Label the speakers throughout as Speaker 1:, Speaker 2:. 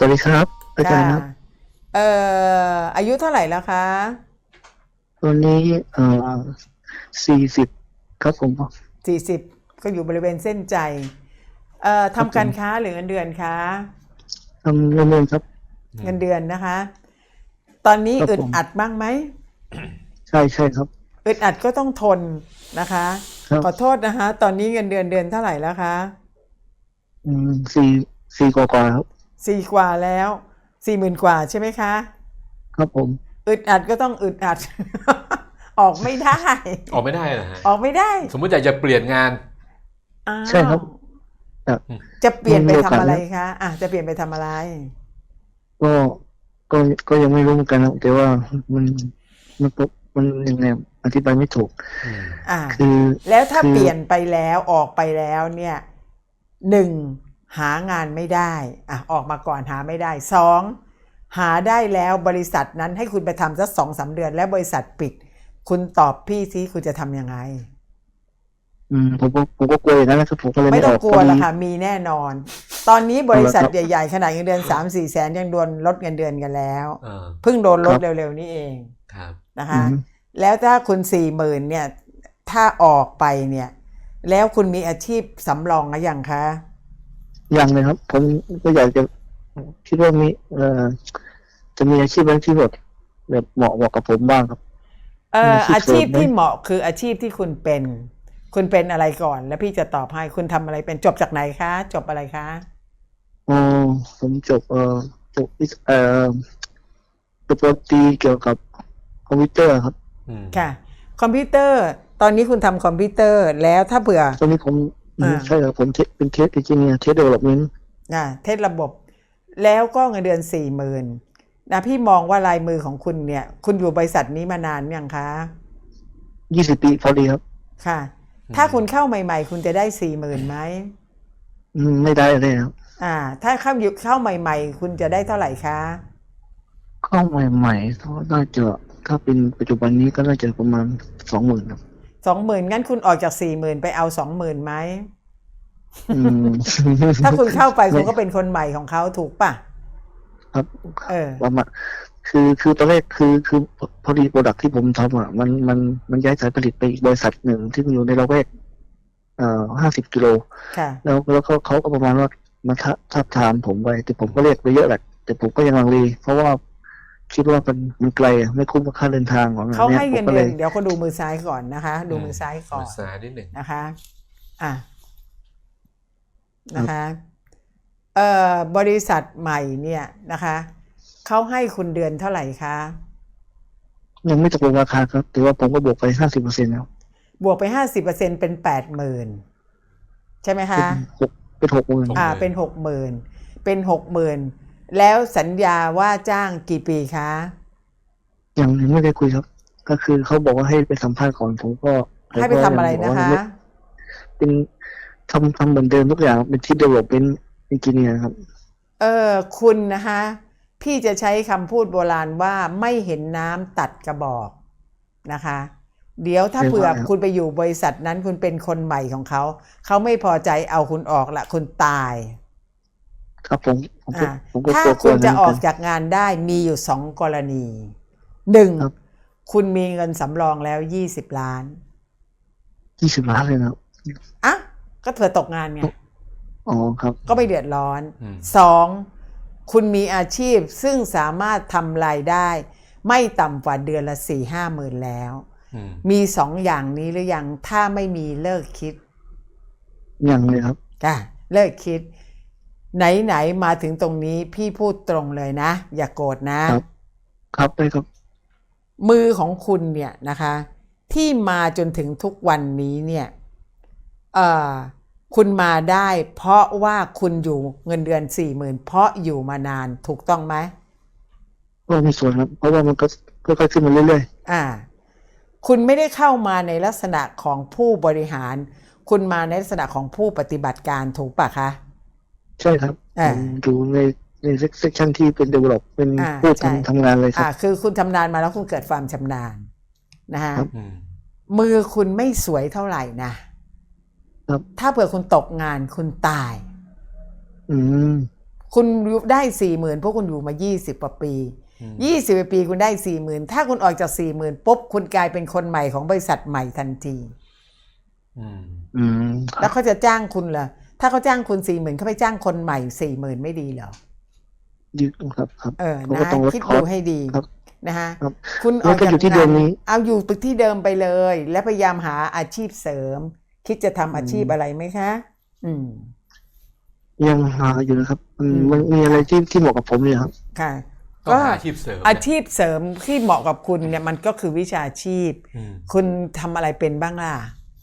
Speaker 1: วัสดีครับอาจา
Speaker 2: ค่ะ
Speaker 1: รย์ครับ
Speaker 2: เอ่อายุเท่าไหร่แล้วคะ
Speaker 1: ตอนนี้40ครับผม
Speaker 2: 40ก็อยู่บริเวณเส้นใจ
Speaker 1: ครับ
Speaker 2: ทำการค้า
Speaker 1: ผม
Speaker 2: หรือเงินเดือนคะ
Speaker 1: ทำเงินครับ
Speaker 2: เงินเดือนนะคะตอนนี้
Speaker 1: ครับผม
Speaker 2: อึดอัดบ้างไหม
Speaker 1: ใช่ครับ
Speaker 2: อึดอัดก็ต้องทนนะคะ
Speaker 1: ครับ
Speaker 2: ขอโทษนะคะตอนนี้เงินเดือนเดือนเท่าไหร่แล้วคะ
Speaker 1: สี่กว่าครับ
Speaker 2: สี่กว่าแล้ว40,000กว่าใช่ไหมคะ
Speaker 1: ครับผม
Speaker 2: อึดอัดก็ต้องอึดอัดออกไม่ได้
Speaker 3: ออกไม่ได้นะฮะ
Speaker 2: ออกไม่ได้
Speaker 3: สมมติอยากจะเปลี่ยนงาน
Speaker 2: อ้า
Speaker 1: ใช่ครั
Speaker 2: ว
Speaker 1: บแต่
Speaker 3: อืม
Speaker 2: จะเปลี่ยนไป
Speaker 1: มันมีโอกา
Speaker 2: ทำอะไร
Speaker 1: สแล้ว
Speaker 2: คะจะเปลี่ยนไปทำอะไร
Speaker 1: ก็ก็ก็ยังไม่รู้เหมือนกันครับแต่ว่ามันมันมันยังไงอธิบายไม่ถูก
Speaker 3: อืม
Speaker 2: อ่า
Speaker 1: คือ
Speaker 2: แล้วถ้า
Speaker 1: คือ
Speaker 2: เปลี่ยนไปแล้วออกไปแล้วเนี่ยหนึ่งหางานไม่ได้ออกมาก่อนหาไม่ได้สองหาได้แล้วบริษัทนั้นให้คุณไปทำสัก2-3 เดือนแล้วบริษัทปิดคุณตอบพี่ซิคุณจะทำยังไง
Speaker 1: ผมก็กลัวอย่างนั้นนะครับผมก็เลย
Speaker 2: ไม่
Speaker 1: ไม่
Speaker 2: ต้องกลัว
Speaker 1: ออกพอดี
Speaker 2: ละค่ะมีแน่นอนตอนนี้บริษัท
Speaker 1: เอาละครับ
Speaker 2: ใหญ่ๆขนาดเงินเดือน3-4 แสนยังโดนลดเงินเดือนกันแล้ว
Speaker 3: เออ
Speaker 2: เพิ่งโดนลด
Speaker 1: ครับ
Speaker 2: เร็วๆนี้เอง
Speaker 3: ครับ
Speaker 2: นะคะแล้วถ้าคุณ40,000เนี่ยถ้าออกไปเนี่ยแล้วคุณมีอาชีพสำรองหรือยังคะ
Speaker 1: ยังเลยครับผมก็อยากจะคิดว่ามีจะมีอาชีพอะไรที่แบบเหมาะกับผมบ้างครับมีอาชีพ
Speaker 2: อา
Speaker 1: เสริมไหม
Speaker 2: ชีพที่เหมาะคืออาชีพที่คุณเป็นอะไรก่อนแล้วพี่จะตอบให้คุณทำอะไรเป็นจบจากไหนคะจบอะไรคะ
Speaker 1: อ๋อผมจบจบปริญญาตรีเกี่ยวกับคอมพิวเตอร์ครับ
Speaker 3: อืม
Speaker 2: ค่ะคอมพิวเตอร์ตอนนี้คุณทำคอมพิวเตอร์แล้วถ้าเผื่อ
Speaker 1: ตอนนี้ผม
Speaker 2: อ่า
Speaker 1: ใช่ครับผมเป็นเทสเอนจิเนียร์เทสเดเวลลอปเมนต์
Speaker 2: เทสระบบแล้วก็เงินเดือน40,000นะพี่มองว่าลายมือของคุณเนี่ยคุณอยู่บริษัทนี้มานานยังคะ
Speaker 1: 20 ปีพอดีครับ
Speaker 2: ค่ะถ้าคุณเข้าใหม่ๆคุณจะได้40,000ไหม
Speaker 1: ไม่ได้เลยครับ
Speaker 2: ถ้าเข้าใหม่ๆคุณจะได้เท่าไหร่คะ
Speaker 1: เข้าใหม่ๆก็น่าจะถ้าเป็นปัจจุบันนี้ก็น่าจะประมาณ20,000ครับ
Speaker 2: 20,000งั้นคุณออกจาก40,000ไปเอา20,000ไหม
Speaker 1: อืม
Speaker 2: ถ้าคุณเข้าไป
Speaker 1: ไม่
Speaker 2: คุณก็เป็นคนใหม่ของเขาถูกป่ะ
Speaker 1: ครับ
Speaker 2: เออ
Speaker 1: ประมาณคือตอนแรกคือพอดีโปรดักที่ผมทำมันย้ายสายผลิตไปอีกบริษัทหนึ่งที่มันอยู่ในละแวก50 กิโล
Speaker 2: ค่ะ
Speaker 1: แล้วเขาก็ประมาณว่ามาทับทามผมไปแต่ผมก็เรียกไปเยอะแหละแต่ผมก็ยังลังเลเพราะว่าคิดว่ามันไกลไม่คุ้มกับค่าเดินทางของอั
Speaker 2: เขา
Speaker 1: นเนี้ย
Speaker 2: ให้เงินเดือน
Speaker 1: ผมก็เลย
Speaker 2: เดี๋ยวเขาดูมือซ้ายก่อนนะคะดูมือซ้ายก่อน
Speaker 3: ภาษานิดหนึ่ง
Speaker 2: นะคะอ่ะ
Speaker 1: ครับ
Speaker 2: นะคะบริษัทใหม่เนี่ยนะคะเขาให้คุณเดือนเท่าไหร่คะ
Speaker 1: ยังไม่ตกลงราคาครับแต่ว่าผมก็บวกไป50%แล้ว
Speaker 2: บวกไป50%เป็น80,000ใช่ไหม
Speaker 1: เป็น
Speaker 2: คะ
Speaker 1: หกเป็น60,000
Speaker 2: เป็น60,000เป็น60,000แล้วสัญญาว่าจ้างกี่ปีคะ
Speaker 1: ยังไม่ได้คุยครับก็คือเขาบอกว่าให้ไปสัมภาษณ์ก่อนผมก็
Speaker 2: ให้ไปทำอะไร
Speaker 1: บอก
Speaker 2: นะคะ
Speaker 1: ว่ายังไม่เป็นทำเหมือนเดิมทุกอย่างเป็นที่ development engineer ครับ
Speaker 2: คุณนะคะพี่จะใช้คำพูดโบราณว่าไม่เห็นน้ำตัดกระบอกนะคะเดี๋ยวถ้าเผื่อคุณไปอยู่บริษัทนั้นคุณเป็นคนใหม่ของเขาเขาไม่พอใจเอาคุณออกละคุณตาย
Speaker 1: ครับผมก็
Speaker 2: ถ้า
Speaker 1: กลัว
Speaker 2: คุณจะออก
Speaker 1: นั้น
Speaker 2: จากงานได้มีอยู่2 กรณีหนึ่ง
Speaker 1: ครับ
Speaker 2: คุณมีเงินสำรองแล้ว20 ล้าน
Speaker 1: 20 ล้านเลยนะครับ
Speaker 2: ก็เผื่อตกงานไง
Speaker 1: อ๋อครับ
Speaker 2: ก็ไม่เดือดร้อน
Speaker 3: อืม
Speaker 2: สองคุณมีอาชีพซึ่งสามารถทำรายได้ไม่ต่ำกว่าเดือนละ4-5 หมื่นแล้ว
Speaker 3: อืม
Speaker 2: มี2 อย่างนี้หรือยังถ้าไม่มีเลิกคิด
Speaker 1: ยังเลยครับ
Speaker 2: เลิกคิดไหนมาถึงตรงนี้พี่พูดตรงเลยนะอย่าโกรธนะครับ
Speaker 1: ได้ครับ
Speaker 2: มือของคุณเนี่ยนะคะที่มาจนถึงทุกวันนี้เนี่ยคุณมาได้เพราะว่าคุณอยู่เงินเดือน40,000เพราะอยู่มานานถูกต้องไหม
Speaker 1: ก็มีส่วนครับเพราะว่ามันก็ค่อยๆขึ้นมาเรื่อย
Speaker 2: คุณไม่ได้เข้ามาในลักษณะของผู้บริหารคุณมาในลักษณะของผู้ปฏิบัติการถูกปะคะ
Speaker 1: ๆใช่ครับผมอยู่ในเซกชันที่เป็น develop เป็นผู้ทำงานเลยครับ
Speaker 2: คือคุณชำนาญมาแล้วคุณเกิดความชำนาญนะฮะ
Speaker 3: อืม
Speaker 2: มือคุณไม่สวยเท่าไหร่นะถ้าเผื่อคุณตกงานคุณตาย
Speaker 1: อืม
Speaker 2: คุณได้ 40,000 พวกคุณอยู่มา20 กว่าปี20 กว่าปีคุณได้ 40,000 ถ้าคุณออกจาก 40,000 ปุ๊บคุณกลายเป็นคนใหม่ของบริษัทใหม่ทันที แล้วเขาจะจ้างคุณเหรอถ้าเขาจ้างคุณ 40,000 เขาไปจ้างคนใหม่ 40,000 ไม่ดีเหรอ
Speaker 1: ดีครับ
Speaker 2: นะคิดดูให้ดีนะฮะคุณออกจาก
Speaker 1: งาน
Speaker 2: เอาอยู่ที่เดิมไปเลยและพยายามหาอาชีพเสริมคิดจะทำอาชีพอะไรไหมคะ
Speaker 1: ยังหาอยู่นะครับมันมีอะไรที่เหมาะกับผมเลยครับ
Speaker 2: ค่ะ
Speaker 3: ก็อาชีพเสริม
Speaker 2: ที่เหมาะกับคุณเนี่ยมันก็คือวิชาชีพคุณทำอะไรเป็นบ้างล่ะ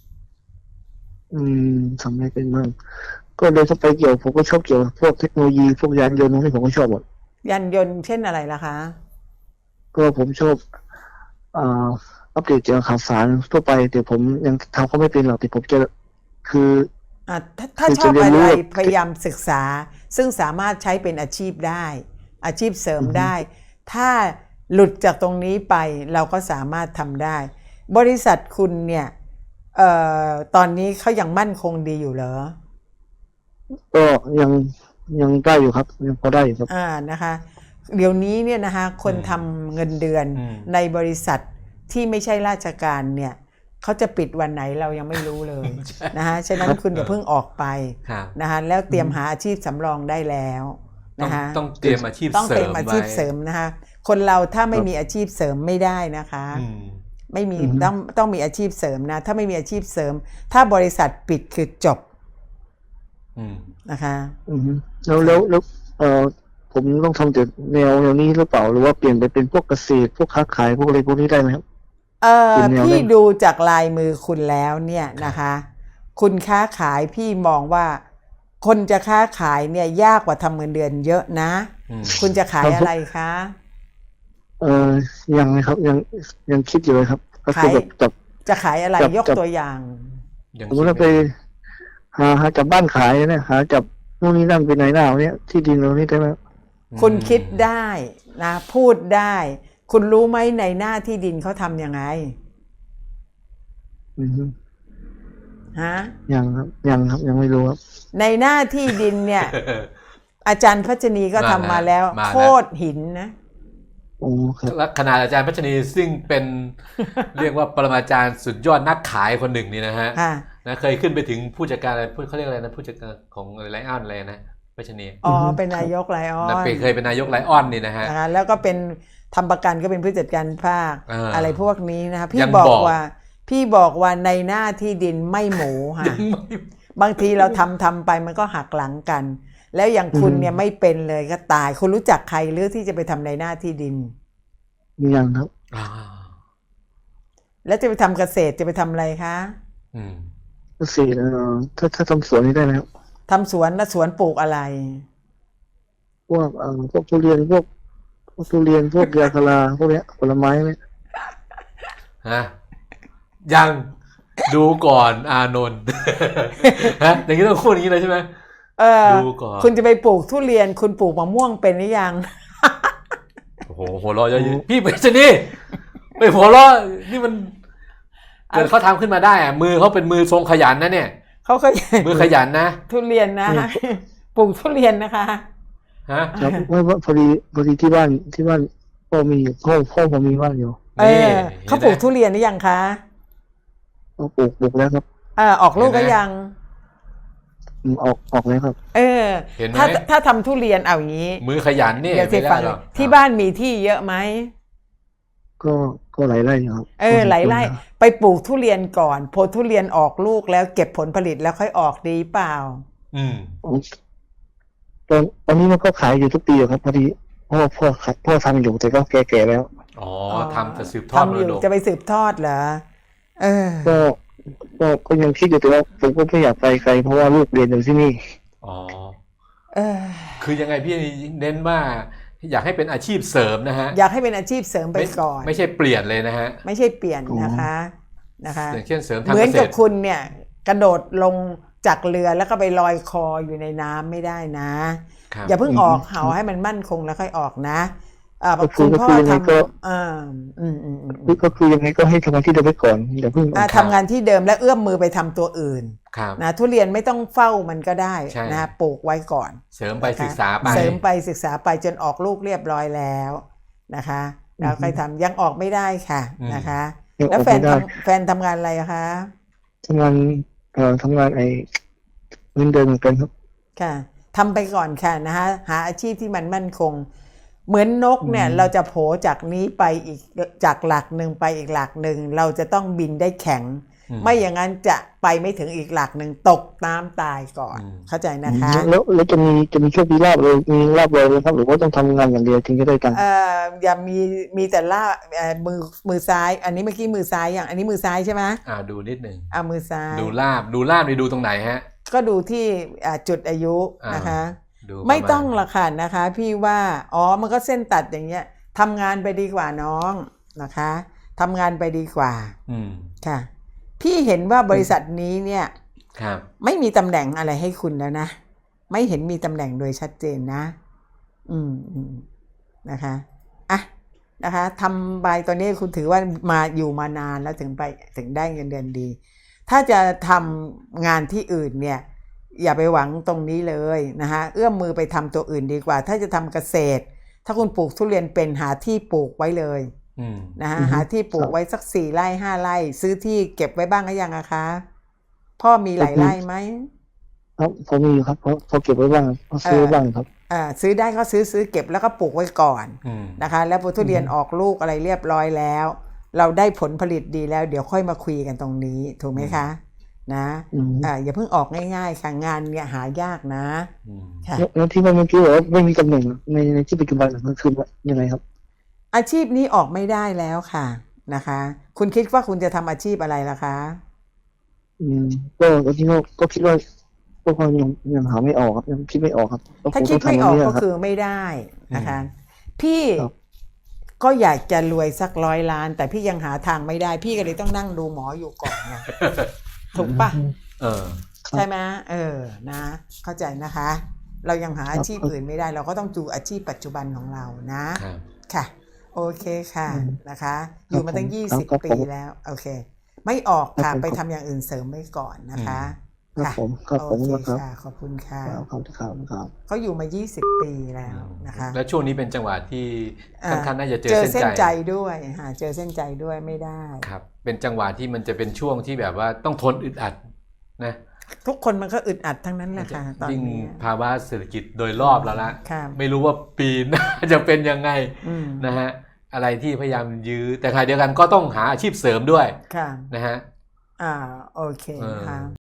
Speaker 1: ทำอะไรเป็นบ้างก็เลยถ้าไปเกี่ยวผมก็ชอบเกี่ยวพวกเทคโนโลยีพวกยานยนต์นี่ผมก็ชอบหมด
Speaker 2: ยานยนต์เช่นอะไรล่ะคะ
Speaker 1: ก็ผมชอบอัปเดตเกี่ยวกับข่าวสารทั่วไปแต่ผมยังทำเขาไม่เป็นหรอกแต่ผมจะคือ
Speaker 2: ถ้าชอบอะไรพยายามศึกษาซึ่งสามารถใช้เป็นอาชีพได้อาชีพเสริมได้ถ้าหลุดจากตรงนี้ไปเราก็สามารถทำได้บริษัทคุณเนี่ยตอนนี้เขายังมั่นคงดีอยู่เหรอ
Speaker 1: ก็ยังได้อยู่ครับยังพอได้อยู่ครับ
Speaker 2: นะคะเดี๋ยวนี้เนี่ยนะคะคนทำเงินเดือนในบริษัทที่ไม่ใช่ราชการเนี่ยเขาจะปิดวันไหนเรายังไม่รู้เลยนะคะฉะนั้นคุณอย่าเพิ่งออกไปนะคะแล้วเตรียมหาอาชีพสำรองได้แล้วนะคะ
Speaker 3: ต้องเตรียมอาชีพเสริมต้องเตรียม
Speaker 2: อาชีพเสริมนะคะคนเราถ้าไม่มีอาชีพเสริมไม่ได้นะคะไม่มีต้องมีอาชีพเสริมนะถ้าไม่มีอาชีพเสริมถ้าบริษัทปิดคือจบนะคะ
Speaker 1: แล้วผมต้องทำแต่แนวนี้หรือเปล่าหรือว่าเปลี่ยนไปเป็นพวกเกษตรพวกค้าขายพวกอะไรพวกนี้ได้ไหมครับ
Speaker 2: พี่ดูจากลายมือคุณแล้วเนี่ยนะคะคุณค้าขายพี่มองว่าคนจะค้าขายเนี่ยยากกว่าทำเงินเดือนเยอะนะคุณจะขายอะไรคะ
Speaker 1: ยังนะครับยังคิดอยู่เลยครับก็คือแบบ
Speaker 2: จะขายอะไรยกตัวอย่าง
Speaker 1: สมมติว่าไปหาจับบ้านขายเนี่ยหาจับนู่นนี่นั่นไปไหนหน้าเนี่ยที่ดินเรานี่ได้ไหม
Speaker 2: คุณคิดได้นะพูดได้คุณรู้ไหมในหน้าที่ดินเขาทำยังไงฮะ
Speaker 1: ยังครับยังไม่รู้ครับ
Speaker 2: ในหน้าที่ดินเนี่ย อาจารย์พัชนีก็ทำมาแล้วโคตรหินนะ
Speaker 3: ขนาดอาจารย์พัชนีซึ่งเป็น เรียกว่าปรมาจารย์สุดยอดนักขายคนหนึ่งนี่นะฮะนะเคยขึ้นไปถึงผู้จัดการอะไรเขาเรียกอะไรนะผู้จัดการของไลออนอะไรนะพัชนี
Speaker 2: เป็นนายกไลออน
Speaker 3: เคยเป็นนายกไลออนนี่นะฮะ
Speaker 2: แล้วก็เป็นทำประกันก็เป็นผู้จัดการภาคอะไรพวกนี้นะคะพี่บอกว่าในหน้าที่ดินไม่หมูค่ะบางทีเราทำไปมันก็หักหลังกันแล้วอย่างคุณเนี่ยไม่เป็นเลยก็ตายคุณรู้จักใครหรือที่จะไปทำในหน้าที่ดิน
Speaker 1: ยังครับ
Speaker 2: แล้วจะไปทำเกษตรจะไปทำอะไรคะ
Speaker 1: เกษตรถ้าทำสวนนี่ได้ไหมครับ
Speaker 2: ทำสวนแล้วสวนปลูกอะไร
Speaker 1: พวกทุเรียนพวกยางพาราพวกเนี้ยผลไม้ไหม
Speaker 3: ยังดูก่อนอานนท์อย่างนี้ต้องพูดอย่างนี้เลยใช่ไหม
Speaker 2: ดูก่อนคุณจะไปปลูกทุเรียนคุณปลูกมะม่วงเป็นหรือยัง
Speaker 3: โอ้โหหัวเราะเยอะพี่ไปสินี่ไปหัวเราะนี่มันเกิดเขาทำขึ้นมาได้อะมือเขาเป็นมือทรงขยันนะเนี่ย
Speaker 2: เขา
Speaker 3: มือขยันนะ
Speaker 2: ทุเรียนนะปลูกทุเรียนนะคะ
Speaker 1: ครับว่าพอดีที่บ้านพ่อมีพ่อผมมีบ้านอยู่
Speaker 2: เขาปลูกทุเรียนหรือยังคะ
Speaker 1: ปลูกแล้วครับ
Speaker 2: ออกลูกก็ยัง
Speaker 1: ออกแล้วครับ
Speaker 2: ถ้าทำทุเรียนเอาอย่างนี้
Speaker 3: มือขยันนี่
Speaker 2: เดี๋ยวสิฟังที่บ้านมีที่เยอะไหม
Speaker 1: ก็หลายไร่ครับ
Speaker 2: หลายไร่ไปปลูกทุเรียนก่อนพอทุเรียนออกลูกแล้วเก็บผลผลิตแล้วค่อยออกดีเปล่า
Speaker 1: ตอนนี้มันก็ขายอยู่ทุกปีครับพอดีพ่อทำอยู่แต่ก็แก่แล้ว
Speaker 3: ทำจะสืบทอดมรดก
Speaker 2: จะไปสืบทอดเหรอ
Speaker 1: ก็ยังคิดอยู่แต่ว่าผมก็ไม่อยากไปไกลเพราะว่าลูกเรียนอยู่ที่นี่
Speaker 3: คือยังไงพี่เน้นว่าอยากให้เป็นอาชีพเสริมนะฮะ
Speaker 2: อยากให้เป็นอาชีพเสริมไปก่อน
Speaker 3: ไม่ใช่เปลี่ยนเลยนะฮะ
Speaker 2: ไม่ใช่เปลี่ยนนะคะ
Speaker 3: อย่างเช่นเสริมทางเกษตร
Speaker 2: เหมือนกับคุณเนี่ยกระโดดลงจากเรือแล้วก็ไปลอยคออยู่ในน้ำไม่ได้นะอย่าเพิ่งออกเหาให้มันมั่นคงแล้วค่อยออกนะคุณพ่อ
Speaker 1: ยังไง
Speaker 2: ท
Speaker 1: ก็
Speaker 2: ำ
Speaker 1: ก็คือยังไงก็ให้ทำงานที่เดิมไปก่อนอย่าเพิ่ง
Speaker 2: ทำงานที่เดิมและเอื้อมมือไปทำตัวอื่น
Speaker 3: ครับ
Speaker 2: นะทุเรียนไม่ต้องเฝ้ามันก็ได้
Speaker 3: ใช่
Speaker 2: นะปลูกไว้ก่อน
Speaker 3: เสริมไปศึกษาไป
Speaker 2: เสริมไปศึกษาไปจนออกลูกเรียบร้อยแล้วนะคะแล้วค่อยทำยังออกไม่ได้ค่ะนะคะ แล้วแฟนทำงานอะไรอะคะ
Speaker 1: ทำงานทำงานเงินเดือนเหมือนกันครับ
Speaker 2: ค่ะทำไปก่อนค่ะนะคะหาอาชีพที่มันมั่นคง เหมือนนกเนี่ยเราจะโผจากนี้ไปอีกจากหลักหนึ่งไปอีกหลักหนึ่งเราจะต้องบินได้แข็ง ไม่อย่างนั้นจะไปไม่ถึงอีกหลักหนึ่งตกน้ำตายก่อนเข้าใจนะคะ
Speaker 1: แล้วจะมีโชคมีลาบเลยมีลาบเลยครับหรือว่าต้องทำงานอย่างเดียวถึงจะได้กัน
Speaker 2: อย่ามีแต่ล่ามือซ้ายอันนี้เมื่อกี้มือซ้ายอย่างอันนี้มือซ้ายใช่ไหม
Speaker 3: ดูนิดหนึ่ง
Speaker 2: มือซ้าย
Speaker 3: ดูลาบนี่ดูตรงไหนฮะ
Speaker 2: ก็ดูที่จุดอายุนะคะไม่ต้องละค่ะนะคะพี่ว่ามันก็เส้นตัดอย่างเงี้ยทำงานไปดีกว่าน้องนะคะทำงานไปดีกว่าค่ะพี่เห็นว่าบริษัทนี้เนี่ยไม่มีตำแหน่งอะไรให้คุณแล้วนะไม่เห็นมีตำแหน่งโดยชัดเจนนะนะคะนะคะทำใบตัวนี้คุณถือว่าอยู่มานานแล้วถึงได้เงินเดือนดีถ้าจะทำงานที่อื่นเนี่ยอย่าไปหวังตรงนี้เลยนะคะเอื้อมมือไปทำตัวอื่นดีกว่าถ้าจะทำเกษตรถ้าคุณปลูกทุเรียนเป็นหาที่ปลูกไว้เลยนะคะหาที่ปลูกไว้สัก4 ไร่ 5 ไร่ซื้อที่เก็บไว้บ้างหรือยังอะคะพ่อมีหลายไร่ไหม
Speaker 1: ครับผมมีครับพอเก็บไว้บ้างซื้อบ้างครับ
Speaker 2: ซื้อได้ก็ซื้อเก็บแล้วก็ปลูกไว้ก่อนนะคะแล้วพอทุเรียนออกลูกอะไรเรียบร้อยแล้วเราได้ผลผลิตดีแล้วเดี๋ยวค่อยมาคุยกันตรงนี้ถูกไหมคะนะอย่าเพิ่งออกง่ายๆค่ะงานเนี่ยหายากนะค่ะ
Speaker 1: แล้วที่เมื่อกี้บอกว่าไม่มีตำแหน่งในที่ปัจจุบันมันคือยังไงครับ
Speaker 2: อาชีพนี้ออกไม่ได้แล้วค่ะนะคะคุณคิดว่าคุณจะทำอาชีพอะไรล่ะคะ
Speaker 1: ก็ที่ก็คิดว่าก็ยังหาไม่ออกครับยังคิดไม่ออกครับ
Speaker 2: ถ้าคิดไม่ออกก็คือไม่ได้นะคะพี่ก็อยากจะรวยสัก100 ล้านแต่พี่ยังหาทางไม่ได้พี่ก็เลยต้องนั่งดูหมออยู่ก่อนไงถูกปะใช่ไหมนะเข้าใจนะคะเรายังหาอาชีพอื่นไม่ได้เราก็ต้องดูอาชีพปัจจุบันของเรานะค่ะโอเคค่ะนะคะอยู่มาตั้ง20 ปีแล้วโอเคไม่ออกค่ะไปทำอย่างอื่นเสริมไว้ก่อนนะคะ
Speaker 1: ครับผม
Speaker 2: โอเคค่ะขอบคุณค่ะ
Speaker 1: ขอบคุณครับ
Speaker 2: เขาอยู่มา20 ปีแล้วนะคะ
Speaker 3: แล้วช่วงนี้เป็นจังหวะที่ค่อนข้างน่าจะเจอเส้น
Speaker 2: ใจด้วยเจอเส้นใจด้วยไม่ได้
Speaker 3: ครับเป็นจังหวะที่มันจะเป็นช่วงที่แบบว่าต้องทนอึดอัดนะ
Speaker 2: ทุกคนมันก็อึดอัดทั้งนั้นแหละค่ะตอนนี้
Speaker 3: ภาวะเศรษฐกิจโดยรอบแล้วละไม่รู้ว่าปีหน้าจะเป็นยังไงนะฮะอะไรที่พยายามยื้อแต่ขณะเดียวกันก็ต้องหาอาชีพเสริมด้วยนะฮะ
Speaker 2: โอเคค่ะ